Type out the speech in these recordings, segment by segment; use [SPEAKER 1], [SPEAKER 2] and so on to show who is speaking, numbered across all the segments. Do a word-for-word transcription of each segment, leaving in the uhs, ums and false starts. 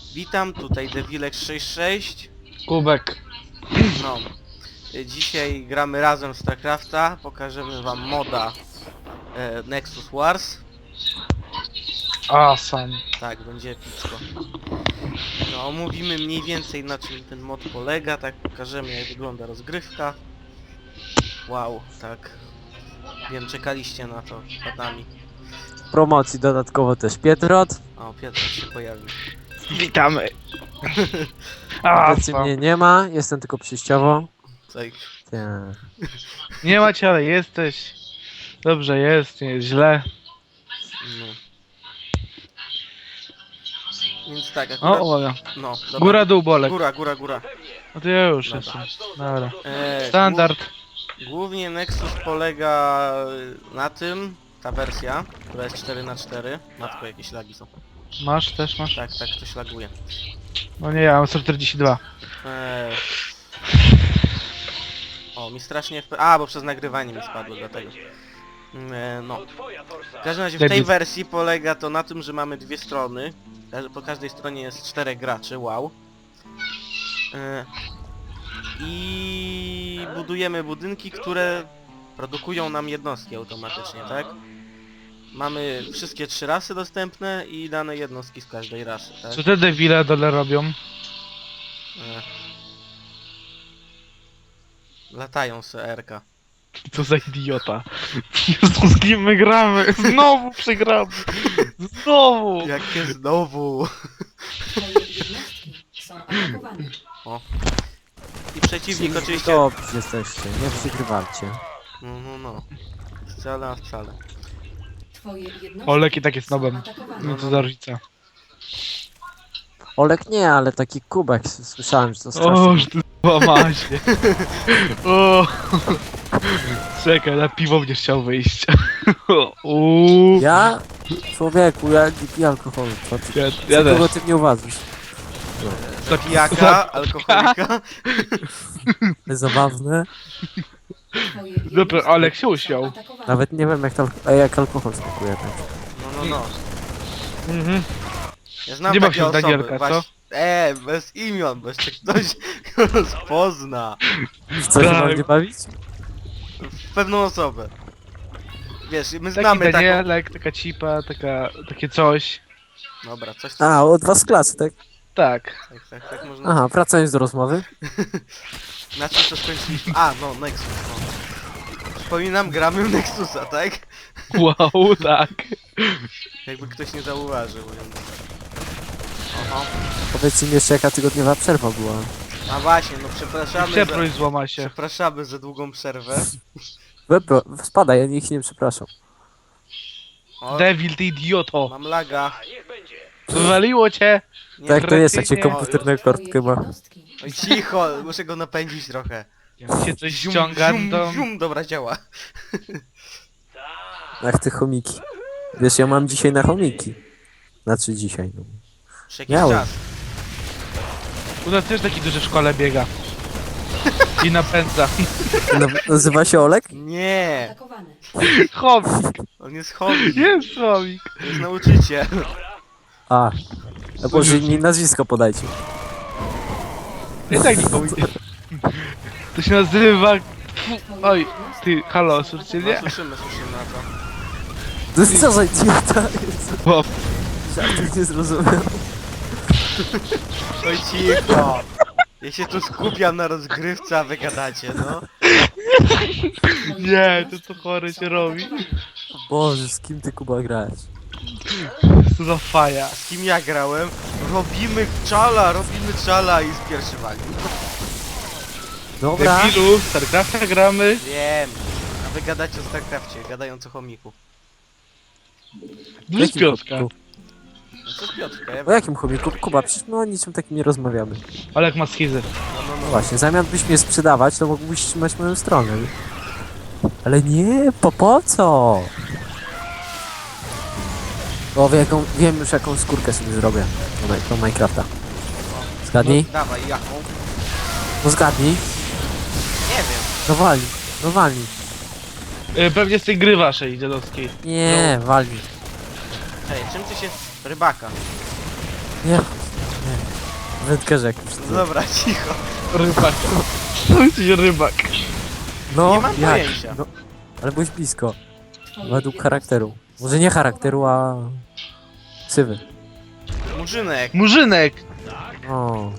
[SPEAKER 1] Witam, tutaj Devilek sześćdziesiąt sześć.
[SPEAKER 2] Kubek.
[SPEAKER 1] No. Dzisiaj gramy razem w StarCrafta. Pokażemy wam moda e, Nexus Wars.
[SPEAKER 2] Awesome.
[SPEAKER 1] Tak, będzie epicko. No, omówimy mniej więcej na czym ten mod polega, tak pokażemy jak wygląda rozgrywka. Wow, tak. Wiem, czekaliście na to latami.
[SPEAKER 3] W promocji dodatkowo też Pietrot.
[SPEAKER 1] O, Piotr się pojawił.
[SPEAKER 2] Witamy.
[SPEAKER 3] Obecnie
[SPEAKER 2] Awesome.
[SPEAKER 3] mnie nie ma, jestem tylko przejściowo.
[SPEAKER 1] Tak.
[SPEAKER 3] Nie.
[SPEAKER 2] Nie macie, ale jesteś. Dobrze jest, nie jest źle.
[SPEAKER 1] No. Więc tak,
[SPEAKER 2] O,
[SPEAKER 1] akurat...
[SPEAKER 2] uwaga.
[SPEAKER 1] No, dobra.
[SPEAKER 2] Góra, dół, bolek.
[SPEAKER 1] Góra, góra, góra.
[SPEAKER 2] No to ja już
[SPEAKER 1] Dobra.
[SPEAKER 2] jestem. Dobra.
[SPEAKER 1] E,
[SPEAKER 2] Standard.
[SPEAKER 1] Głównie Nexus polega na tym, ta wersja, która jest cztery na cztery. Matko, jakieś lagi są.
[SPEAKER 2] Masz, też masz?
[SPEAKER 1] Tak, tak, coś laguje.
[SPEAKER 2] No nie, ja mam sto czterdzieści dwa.
[SPEAKER 1] Eee... O, mi strasznie... F... A, bo przez nagrywanie mi spadło, dlatego. Eee, no. W każdym razie w tej
[SPEAKER 2] Debil.
[SPEAKER 1] wersji polega to na tym, że mamy dwie strony. Każ- Po każdej stronie jest czterech graczy, wow. Eee... I budujemy budynki, które produkują nam jednostki automatycznie, tak? Mamy wszystkie trzy rasy dostępne i dane jednostki z każdej rasy, tak?
[SPEAKER 2] Co te debile dole robią?
[SPEAKER 1] Ech. Latają se erka.
[SPEAKER 2] Co za idiota. Jezu, z kim my gramy? Znowu przegramy. Znowu.
[SPEAKER 1] Jakie znowu!
[SPEAKER 4] Twoje jednostki są atakowane.
[SPEAKER 1] O. I przeciwnik oczywiście...
[SPEAKER 3] Dobrze jesteście, nie przegrywajcie.
[SPEAKER 1] No, no, no. Wcale, a wcale.
[SPEAKER 4] Twoje jednostki
[SPEAKER 2] Olek i tak jest
[SPEAKER 4] są
[SPEAKER 2] nobem.
[SPEAKER 4] atakowane.
[SPEAKER 2] No to za różnica.
[SPEAKER 3] Olek nie, ale taki kubek, s- słyszałem, że to
[SPEAKER 2] O,
[SPEAKER 3] strasznie.
[SPEAKER 2] że ty łamasie. O. Czekaj, na piwo będziesz chciał wyjść. Uuu.
[SPEAKER 3] Ja? Człowieku, ja nie piję alkoholu. Co ty,
[SPEAKER 2] Ja,
[SPEAKER 3] co
[SPEAKER 2] ja
[SPEAKER 3] kogo
[SPEAKER 2] też.
[SPEAKER 3] ty mnie uważasz?
[SPEAKER 1] Zabijaka, alkoholika.
[SPEAKER 3] Zabawne.
[SPEAKER 4] Twoje
[SPEAKER 2] Dobra,
[SPEAKER 4] jednostki
[SPEAKER 2] Olek się
[SPEAKER 4] są
[SPEAKER 2] usiął.
[SPEAKER 4] atakowane.
[SPEAKER 3] Nawet nie wiem jak, to, a jak alkohol smakuje. Tak.
[SPEAKER 1] No, no, no.
[SPEAKER 2] Mhm.
[SPEAKER 1] Ja znam
[SPEAKER 2] Nie baw
[SPEAKER 1] takie
[SPEAKER 2] się w
[SPEAKER 1] osoby.
[SPEAKER 2] Danielka, co?
[SPEAKER 1] Właśnie... Eee, bez imion, bo jeszcze ktoś go rozpozna.
[SPEAKER 3] W co się
[SPEAKER 2] Tak.
[SPEAKER 3] mam nie bawić?
[SPEAKER 1] W pewną osobę. Wiesz, my
[SPEAKER 2] Taki
[SPEAKER 1] znamy taką...
[SPEAKER 2] Danielek, taka cipa, taka, takie coś.
[SPEAKER 1] Dobra, coś...
[SPEAKER 3] A, od was z klasy, tak?
[SPEAKER 2] Tak.
[SPEAKER 3] No.
[SPEAKER 1] Tak, tak, tak można...
[SPEAKER 3] Aha, wracając do rozmowy.
[SPEAKER 1] Na czym to skończyliśmy? A, no, Nexus, no. Przypominam, gramy w Nexusa, tak?
[SPEAKER 2] Wow, tak.
[SPEAKER 1] Jakby ktoś nie zauważył, więc... Oho.
[SPEAKER 3] Powiedzcie mi jeszcze jaka tygodniowa przerwa była.
[SPEAKER 1] A właśnie, no przepraszamy za...
[SPEAKER 2] Przeproś złama się.
[SPEAKER 1] Przepraszamy za długą przerwę.
[SPEAKER 3] Webro, spadaj, ja niech nie przepraszam.
[SPEAKER 1] O,
[SPEAKER 2] Devil, ty idioto.
[SPEAKER 1] mam laga.
[SPEAKER 2] Wywaliło cię.
[SPEAKER 1] Nie,
[SPEAKER 3] Tak to jest, jak się
[SPEAKER 2] Kretynie.
[SPEAKER 3] komputer na
[SPEAKER 4] Twoje
[SPEAKER 3] kartkę ma.
[SPEAKER 4] jednostki
[SPEAKER 1] Oj,
[SPEAKER 4] są
[SPEAKER 1] cicho,
[SPEAKER 4] atakowane.
[SPEAKER 1] muszę go napędzić trochę.
[SPEAKER 2] Jak się coś
[SPEAKER 1] Zium,
[SPEAKER 2] ściąga,
[SPEAKER 1] zium,
[SPEAKER 2] to...
[SPEAKER 1] zium, dobra, działa.
[SPEAKER 3] Ach ty chomiki. Wiesz, ja mam dzisiaj na chomiki. Znaczy dzisiaj. No.
[SPEAKER 1] Przez jakiś
[SPEAKER 3] Miałem.
[SPEAKER 1] czas.
[SPEAKER 2] U nas też taki duży w szkole biega. I napędza.
[SPEAKER 3] No, nazywa się Olek?
[SPEAKER 1] Nie,
[SPEAKER 4] Atakowane.
[SPEAKER 2] Chomik.
[SPEAKER 1] on jest hobby,
[SPEAKER 2] Jest chomik.
[SPEAKER 1] to jest nauczyciel.
[SPEAKER 3] A. A może mi nazwisko podajcie.
[SPEAKER 2] I tak nikomu nie... To się nazywa...
[SPEAKER 4] Twoje
[SPEAKER 2] Oj,
[SPEAKER 4] jednostki
[SPEAKER 2] ty, halo,
[SPEAKER 4] są
[SPEAKER 2] słyszycie
[SPEAKER 1] No,
[SPEAKER 2] mnie?
[SPEAKER 1] słyszymy, słyszymy na to.
[SPEAKER 3] To jest co za idiota?
[SPEAKER 2] Bo...
[SPEAKER 3] Żartów nie zrozumiał.
[SPEAKER 1] Oj, cicho. Ja się tu skupiam na rozgrywce, a wy gadacie, no.
[SPEAKER 4] Twoje
[SPEAKER 2] Nie, to
[SPEAKER 4] jednostki
[SPEAKER 2] co chory
[SPEAKER 4] są
[SPEAKER 2] się robi.
[SPEAKER 4] atakowane.
[SPEAKER 3] Boże, z kim ty Kuba grałeś?
[SPEAKER 2] Co za faja.
[SPEAKER 1] Z kim ja grałem? Robimy czala, robimy czala i spierszywali.
[SPEAKER 3] Dobra.
[SPEAKER 2] Debilu, w StarCrafta gramy.
[SPEAKER 1] Wiem. A wy gadacie o StarCrafcie, gadając o chomiku.
[SPEAKER 2] Duży
[SPEAKER 3] Jakim
[SPEAKER 2] Piotrka.
[SPEAKER 3] chomiku?
[SPEAKER 1] No co z Piotrka? Ja...
[SPEAKER 3] O jakim chomiku? Kuba, przecież my o niczym takim nie rozmawiamy.
[SPEAKER 2] Olek ma schizy.
[SPEAKER 1] No, no,
[SPEAKER 3] No
[SPEAKER 1] no.
[SPEAKER 3] właśnie, zamiast byś mnie sprzedawać, to mógłbyś trzymać moją stronę. Ale nie, po, po co? O, wiem, jaką, wiem już jaką skórkę sobie zrobię do, Mi- do Minecrafta. Zgadnij?
[SPEAKER 1] No, dawaj, jaką?
[SPEAKER 3] No zgadnij.
[SPEAKER 1] Nie wiem.
[SPEAKER 3] No walnij, no walnij.
[SPEAKER 2] Y, Pewnie z tej gry waszej dziadowskiej.
[SPEAKER 3] Nie, walnij.
[SPEAKER 1] Hej, czym ty się... Rybaka.
[SPEAKER 3] Nie, Wędkarz jakiś.
[SPEAKER 1] No dobra, cicho.
[SPEAKER 2] Rybak. To jest rybak.
[SPEAKER 3] No,
[SPEAKER 1] Nie mam
[SPEAKER 3] jak?
[SPEAKER 1] pojęcia.
[SPEAKER 3] No, ale byłeś blisko.
[SPEAKER 4] Twoje
[SPEAKER 3] Według
[SPEAKER 4] jednostki
[SPEAKER 3] charakteru. Może nie charakteru, a... Ksywy.
[SPEAKER 1] Murzynek.
[SPEAKER 2] Murzynek.
[SPEAKER 3] O.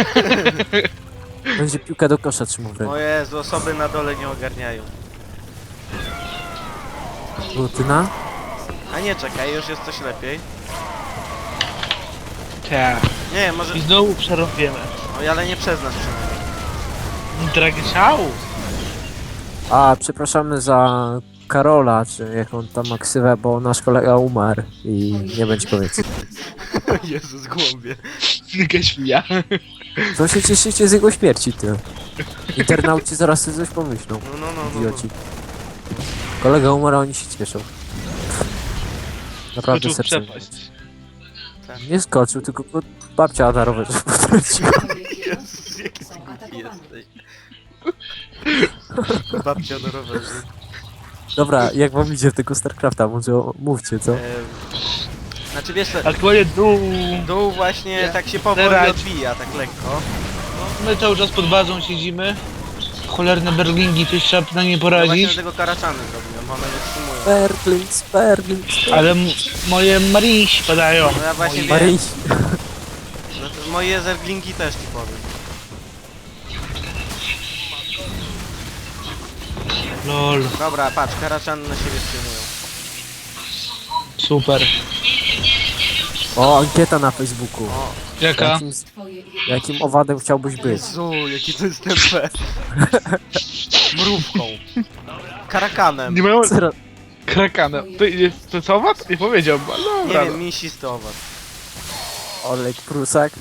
[SPEAKER 3] Będzie piłka do kosza trzymał w ręku.
[SPEAKER 1] O Jezu, osoby na dole nie ogarniają.
[SPEAKER 3] Rutyna?
[SPEAKER 1] A nie, czekaj, już jest coś lepiej.
[SPEAKER 2] Tak.
[SPEAKER 1] Nie, może...
[SPEAKER 2] I znowu przerobiemy.
[SPEAKER 1] Oj, ale nie przez nas przynajmniej.
[SPEAKER 2] Dragciał.
[SPEAKER 3] A, przepraszamy za Karola, czy jak on tam ma ksywę, bo nasz kolega umarł i nie będzie powiedzieć.
[SPEAKER 1] O Jezus, głąbie.
[SPEAKER 2] Gaśmia.
[SPEAKER 3] To się cieszycie z jego śmierci, ty. Internauci zaraz sobie coś pomyślą.
[SPEAKER 1] No, no, no, no, no.
[SPEAKER 3] Idioci. Kolega umarł, a oni się cieszą. Naprawdę
[SPEAKER 2] Skoczył w
[SPEAKER 3] serce.
[SPEAKER 2] przepaść.
[SPEAKER 3] Nie skoczył, tylko go babcia na rowerze potrąciła.
[SPEAKER 4] Twoje
[SPEAKER 1] Jezus,
[SPEAKER 4] jednostki
[SPEAKER 1] jaki ty
[SPEAKER 4] są
[SPEAKER 1] głupi
[SPEAKER 4] atakowane.
[SPEAKER 1] jesteś. Babcia na rowerze.
[SPEAKER 3] Dobra, jak wam idzie w tego StarCrafta? Może o- mówcie, co?
[SPEAKER 1] Ehm, Znaczy wiesz co,
[SPEAKER 2] Aktualnie dół.
[SPEAKER 1] dół właśnie
[SPEAKER 2] Ja.
[SPEAKER 1] tak się powoli
[SPEAKER 2] Zerać.
[SPEAKER 1] odbija, tak lekko.
[SPEAKER 2] My cały czas pod bazą siedzimy. Cholerne berlingi, coś trzeba na nie
[SPEAKER 1] No właśnie
[SPEAKER 2] poradzić.
[SPEAKER 1] tego karaczany zrobiłem, one nie wstrzymują.
[SPEAKER 3] Berlins, Berlins,
[SPEAKER 2] Ale m- moje Maryś padają.
[SPEAKER 1] No ja właśnie wiem,
[SPEAKER 3] Maryś.
[SPEAKER 1] no to moje zerglingi też ci powiem.
[SPEAKER 2] Lol,
[SPEAKER 1] Dobra, patrz, karaczany na siebie wstrzymują.
[SPEAKER 2] super.
[SPEAKER 3] O, ankieta na Facebooku.
[SPEAKER 1] O,
[SPEAKER 2] Jaka?
[SPEAKER 3] Jakim,
[SPEAKER 4] Twoje jednostki
[SPEAKER 3] jakim owadem chciałbyś być?
[SPEAKER 1] Jezu, jaki to jest tempe. Mrówką. Karakanem.
[SPEAKER 2] Nie mają
[SPEAKER 3] Zero-
[SPEAKER 2] krakanem. To jest to jest owad? Nie powiedziałbym, ale
[SPEAKER 1] Nie
[SPEAKER 2] dobra.
[SPEAKER 1] wiem, mięsisty owad.
[SPEAKER 3] Olek Prusak.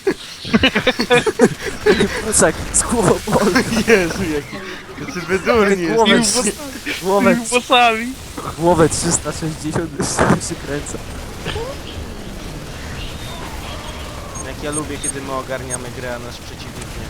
[SPEAKER 3] Prusak z głową Olek.
[SPEAKER 1] Jezu, jaki... Jacy wydurni
[SPEAKER 3] Głowę,
[SPEAKER 1] jest.
[SPEAKER 3] głowę,
[SPEAKER 2] Tymi włosami.
[SPEAKER 3] głowę trzysta sześćdziesiąt się kręcę.
[SPEAKER 1] Jak ja lubię, kiedy my ogarniamy grę, a nasz przeciwnik nie.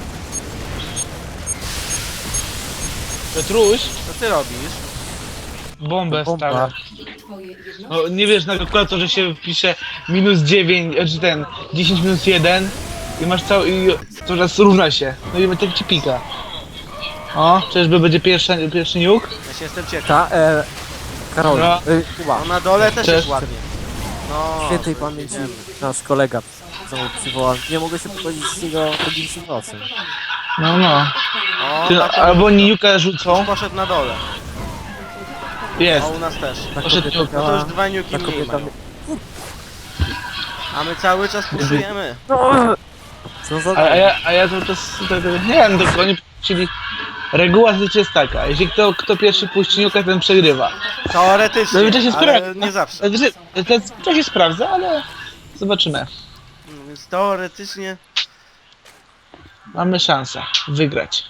[SPEAKER 2] Petruś,
[SPEAKER 1] Co ty robisz?
[SPEAKER 2] bombę
[SPEAKER 3] Bomba.
[SPEAKER 2] stawia.
[SPEAKER 4] Twoje jednostki
[SPEAKER 2] No nie wiesz, na kalkulatorze się wpisze minus dziewięć, czy ten dziesięć minus jeden i masz cały i to raz równa się. No i tak ci pika. O, czyżby będzie pierwszy, pierwszy niuk?
[SPEAKER 1] Ja się jestem ciekaw.
[SPEAKER 3] Ta, e, Karol,
[SPEAKER 2] Dobra.
[SPEAKER 3] e, Kuba,
[SPEAKER 1] No na dole też
[SPEAKER 2] Cześć.
[SPEAKER 1] jest ładnie. No,
[SPEAKER 3] świętej pamięci nasz kolega, co mu przywołał. Nie mogę się pogodzić z jego tragicznym losem.
[SPEAKER 2] No, no.
[SPEAKER 1] O,
[SPEAKER 2] Ty,
[SPEAKER 1] a to
[SPEAKER 2] albo oni niuka rzucą.
[SPEAKER 1] poszedł na dole.
[SPEAKER 2] Jest.
[SPEAKER 1] O, u nas też.
[SPEAKER 3] Ta
[SPEAKER 2] Poszedł
[SPEAKER 3] kobieta
[SPEAKER 2] niuk.
[SPEAKER 1] No to już
[SPEAKER 3] miała...
[SPEAKER 1] dwa niuki
[SPEAKER 3] Ta
[SPEAKER 1] mniej
[SPEAKER 3] kobieta...
[SPEAKER 1] mają. A my cały czas puszujemy.
[SPEAKER 3] Co za...
[SPEAKER 2] A, a, ja, a ja cały czas tutaj, tutaj, nie wiem, tylko oni chcieli... Reguła życia jest taka, jeśli kto, kto pierwszy puści niuka, ten przegrywa.
[SPEAKER 1] Teoretycznie,
[SPEAKER 2] Zazwyczaj się
[SPEAKER 1] ale
[SPEAKER 2] sprawdza.
[SPEAKER 1] nie zawsze.
[SPEAKER 2] Znaczy, to, to się sprawdza, ale zobaczymy.
[SPEAKER 1] No Więc teoretycznie...
[SPEAKER 2] Mamy szansę wygrać.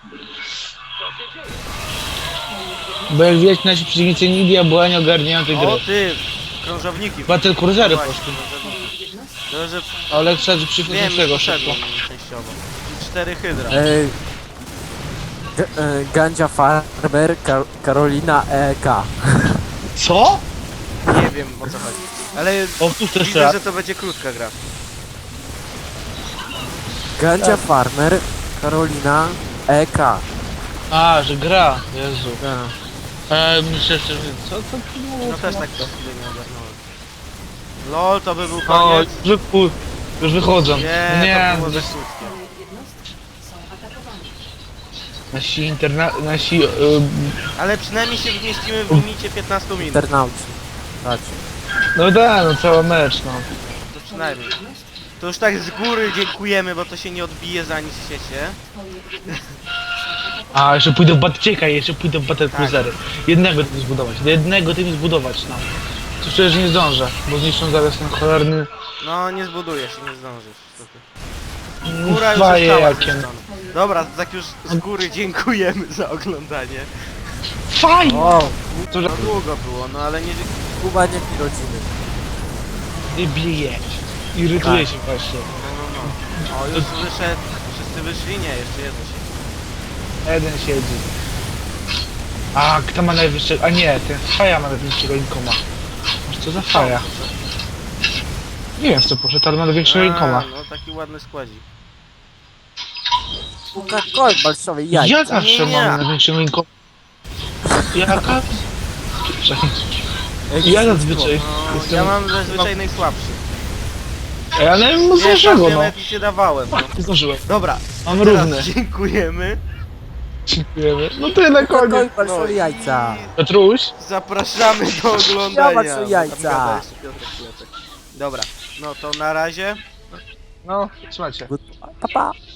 [SPEAKER 2] Bo jak widać, nasi przeciwnicy Nidia była nie ogarniają tej
[SPEAKER 1] O
[SPEAKER 2] gry.
[SPEAKER 1] ty, krążowniki.
[SPEAKER 2] Battle Cruisery
[SPEAKER 1] Właśnie,
[SPEAKER 2] poszły.
[SPEAKER 1] krążowniki.
[SPEAKER 4] Twoje jednostki
[SPEAKER 1] To, że
[SPEAKER 2] Ale trzeba przyjść
[SPEAKER 1] wiem,
[SPEAKER 2] tego
[SPEAKER 1] już
[SPEAKER 2] szybko.
[SPEAKER 1] poszedłem częściowo. I cztery hydra.
[SPEAKER 3] E, G- e, Gandzia Farber, Kar Karolina E K.
[SPEAKER 2] Co?
[SPEAKER 1] Nie wiem o co chodzi. Ale
[SPEAKER 2] Powtórz to jeszcze
[SPEAKER 1] widzę,
[SPEAKER 2] raz.
[SPEAKER 1] że to będzie krótka gra.
[SPEAKER 3] Gandzia Farmer, Karolina E K.
[SPEAKER 2] A, że gra. Jezu.
[SPEAKER 3] Ja.
[SPEAKER 2] Eee, myślę, że... Co to było?
[SPEAKER 1] No też tak to chwilę nie ogarnąłem. Lol, to by był
[SPEAKER 2] O,
[SPEAKER 1] koniec.
[SPEAKER 2] już, wypu... już wychodzą.
[SPEAKER 1] Nie,
[SPEAKER 2] Nie,
[SPEAKER 1] to było
[SPEAKER 2] no,
[SPEAKER 1] za krótkie.
[SPEAKER 4] Twoje jednostki są atakowane.
[SPEAKER 2] nasi interna... nasi... Yy,
[SPEAKER 1] Ale przynajmniej się wmieścimy w limicie piętnaście minut.
[SPEAKER 3] Internauci. Patrz.
[SPEAKER 2] no da, no cały mecz, no.
[SPEAKER 1] To przynajmniej. To już tak z góry dziękujemy, bo to się nie odbije za nic w świecie.
[SPEAKER 4] Twoje jednostki
[SPEAKER 2] A, jeszcze pójdę w Batcieka, jeszcze pójdę w Battle
[SPEAKER 1] Tak.
[SPEAKER 2] Cruisery. Jednego tym zbudować, jednego tym zbudować, no. To przecież nie zdążę, bo zniszczą zaraz ten cholerny...
[SPEAKER 1] No nie zbudujesz, nie zdążysz. Co ty. Góra już
[SPEAKER 2] Faje
[SPEAKER 1] została
[SPEAKER 2] jakie.
[SPEAKER 1] zniszczona. Dobra, tak już z góry dziękujemy za oglądanie.
[SPEAKER 2] Faj!
[SPEAKER 3] O,
[SPEAKER 2] To
[SPEAKER 1] No długo było, no ale nie...
[SPEAKER 3] Kuba nie pi rodziny.
[SPEAKER 2] nie bije. Irytuje się właśnie.
[SPEAKER 1] No, no, no. O, już wyszedł. Wszyscy wyszli? Nie, jeszcze jedno się.
[SPEAKER 2] Jeden siedzi. A, kto ma najwyższego... A nie, ten Faja ma najwyższego inkoma. Masz co za Faja? Nie wiem w co poszedł, ale ma do większego
[SPEAKER 1] A,
[SPEAKER 2] rękoma.
[SPEAKER 1] no taki ładny składzik.
[SPEAKER 3] Coca-Cola, balszowe jajca.
[SPEAKER 2] Ja zawsze
[SPEAKER 1] Nie, nie.
[SPEAKER 2] mam na większym rękoma. Jaka?
[SPEAKER 3] Ej,
[SPEAKER 2] Ja zazwyczaj
[SPEAKER 1] No,
[SPEAKER 2] jestem...
[SPEAKER 1] ja mam zazwyczaj najsłabszy.
[SPEAKER 2] Ja nie wiem,
[SPEAKER 1] Wiesz,
[SPEAKER 2] dlaczego
[SPEAKER 1] ja
[SPEAKER 2] no.
[SPEAKER 1] nawet ci dawałem, no.
[SPEAKER 2] Nie zdążyłem.
[SPEAKER 1] Dobra,
[SPEAKER 2] Mam
[SPEAKER 1] teraz
[SPEAKER 2] równy.
[SPEAKER 1] dziękujemy.
[SPEAKER 2] Dziękujemy. No to na
[SPEAKER 3] Coca-Cola,
[SPEAKER 2] koniec.
[SPEAKER 3] balszowe jajca.
[SPEAKER 2] Piotruś?
[SPEAKER 1] Zapraszamy do oglądania.
[SPEAKER 3] Ja mam jajca.
[SPEAKER 1] Tam gada jeszcze Piotrek Pilecek. Dobra, no to na razie.
[SPEAKER 2] No, słuchajcie.
[SPEAKER 3] Pa, pa.